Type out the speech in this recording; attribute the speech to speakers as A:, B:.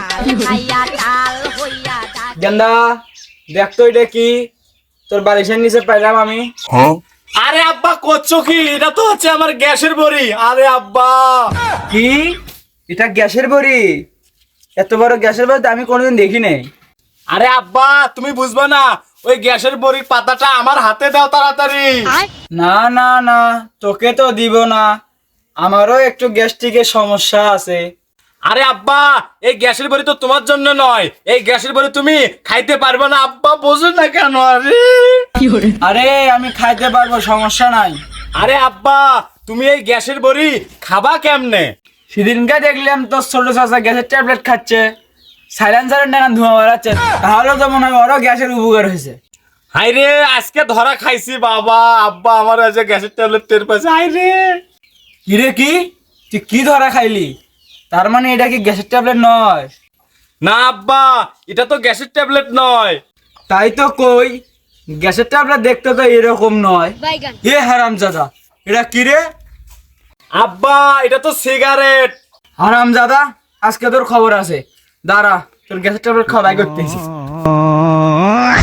A: গেন্দা দেখ তো এটা কি, তোর বালিশের নিচে পাইলাম আমি।
B: আরে আব্বা করছো কি? এটা তো হচ্ছে আমার গ্যাসের বড়ি। আরে আব্বা,
A: কি এটা গ্যাসের বড়ি? এত বড় গ্যাসের বড়ি তো আমি কোনোদিন দেখি নাই।
B: আরে আব্বা তুমি বুঝবা না, ওই গ্যাসের বড়ির পাতাটা আমার হাতে দাও তাড়াতাড়ি।
A: না না না, তোকে তো দিব না, আমারও একটু গ্যাস্ট্রিকের সমস্যা আছে।
B: আরে আব্বা, এই গ্যাসের বড়ি তো তোমার জন্য নয়, এই গ্যাসের বড়ি তুমি খাইতে পারবে না। আব্বা বোঝো না কেন?
A: আরে আমি খাইতে পারবো, সমস্যা নাই।
B: আরে আব্বা, তুমি এই গ্যাসের বড়ি খাবা কেমনে?
A: সেদিনকে দেখলাম তোর ছোট চাচা গ্যাসের ট্যাবলেট খাচ্ছে, সাইলেন্সারের নাগান ধোঁয়া বেড়াচ্ছে, তাহলে তো মনে হয় ওরও গ্যাসের উপকার হয়েছে।
B: হাইরে আজকে ধরা খাইছি বাবা। আব্বা আমার আজকে গ্যাসের ট্যাবলেট টের পাইছে। হাইরে
A: কিরে কি, তুই কি ধরা খাইলি? তার মানে এটা কি গ্যাসের ট্যাবলেট নয়?
B: না আব্বা, এটা তো গ্যাসের ট্যাবলেট নয়।
A: তাই তো কই, গ্যাসের ট্যাবলেট দেখতে তো এরকম নয়। এ হারামজাদা, এটা কি রে?
B: আব্বা এটা তো সিগারেট।
A: হারামজাদা, আজকে তোর খবর আছে, দাঁড়া তোর গ্যাসের ট্যাবলেট খাওয়া করতেছি।